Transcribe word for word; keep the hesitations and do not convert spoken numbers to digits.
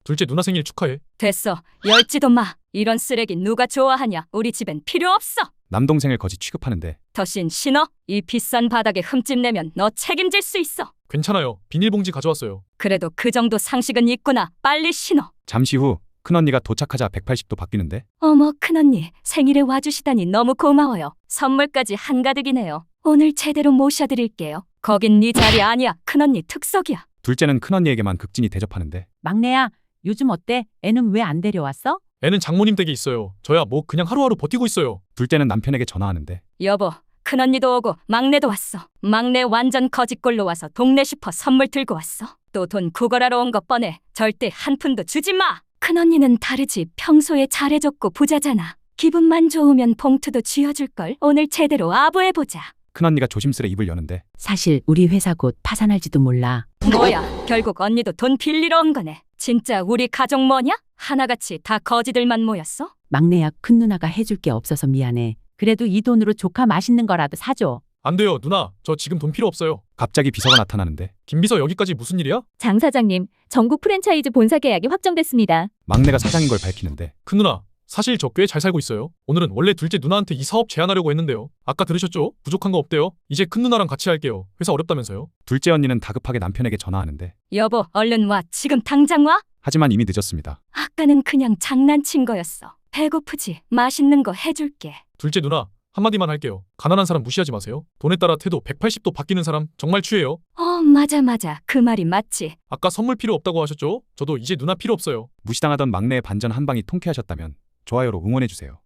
둘째 누나 생일 축하해. 됐어. 열지도 마. 이런 쓰레기 누가 좋아하냐. 우리 집엔 필요 없어. 남동생을 거지 취급하는데 더신 신어? 이 비싼 바닥에 흠집 내면 너 책임질 수 있어. 괜찮아요. 비닐봉지 가져왔어요. 그래도 그 정도 상식은 있구나. 빨리 신어. 잠시 후 큰언니가 도착하자 백팔십 도 바뀌는데 어머, 큰언니. 생일에 와주시다니 너무 고마워요. 선물까지 한가득이네요. 오늘 제대로 모셔드릴게요. 거긴 네 자리 아니야. 큰언니 특석이야. 둘째는 큰언니에게만 극진히 대접하는데 막내야, 요즘 어때? 애는 왜 안 데려왔어? 애는 장모님 댁에 있어요. 저야 뭐 그냥 하루하루 버티고 있어요. 둘째는 남편에게 전화하는데 여보, 큰언니도 오고 막내도 왔어. 막내 완전 거짓골로 와서 동네 슈퍼 선물 들고 왔어. 또 돈 구걸하러 온 거 뻔해. 절대 한 푼도 주지 마. 큰언니는 다르지. 평소에 잘해줬고 부자잖아. 기분만 좋으면 봉투도 쥐어줄걸. 오늘 제대로 아부해보자. 큰언니가 조심스레 입을 여는데 사실 우리 회사 곧 파산할지도 몰라. 뭐야, 결국 언니도 돈 빌리러 온 거네. 진짜 우리 가족 뭐냐? 하나같이 다 거지들만 모였어? 막내야, 큰 누나가 해줄 게 없어서 미안해. 그래도 이 돈으로 조카 맛있는 거라도 사줘. 안 돼요, 누나. 저 지금 돈 필요 없어요. 갑자기 비서가 나타나는데 김 비서 여기까지 무슨 일이야? 장 사장님, 전국 프랜차이즈 본사 계약이 확정됐습니다. 막내가 사장인 걸 밝히는데 큰 누나, 사실 저 꽤 잘 살고 있어요. 오늘은 원래 둘째 누나한테 이 사업 제안하려고 했는데요. 아까 들으셨죠? 부족한 거 없대요. 이제 큰 누나랑 같이 할게요. 회사 어렵다면서요. 둘째 언니는 다급하게 남편에게 전화하는데 여보, 얼른 와. 지금 당장 와. 하지만 이미 늦었습니다. 아까는 그냥 장난친 거였어. 배고프지? 맛있는 거 해줄게. 둘째 누나, 한마디만 할게요. 가난한 사람 무시하지 마세요. 돈에 따라 태도 백팔십 도 바뀌는 사람 정말 취해요. 어, 맞아 맞아. 그 말이 맞지. 아까 선물 필요 없다고 하셨죠? 저도 이제 누나 필요 없어요. 무시당하던 막내의 반전 한 방이 통쾌하셨다면 좋아요로 응원해주세요.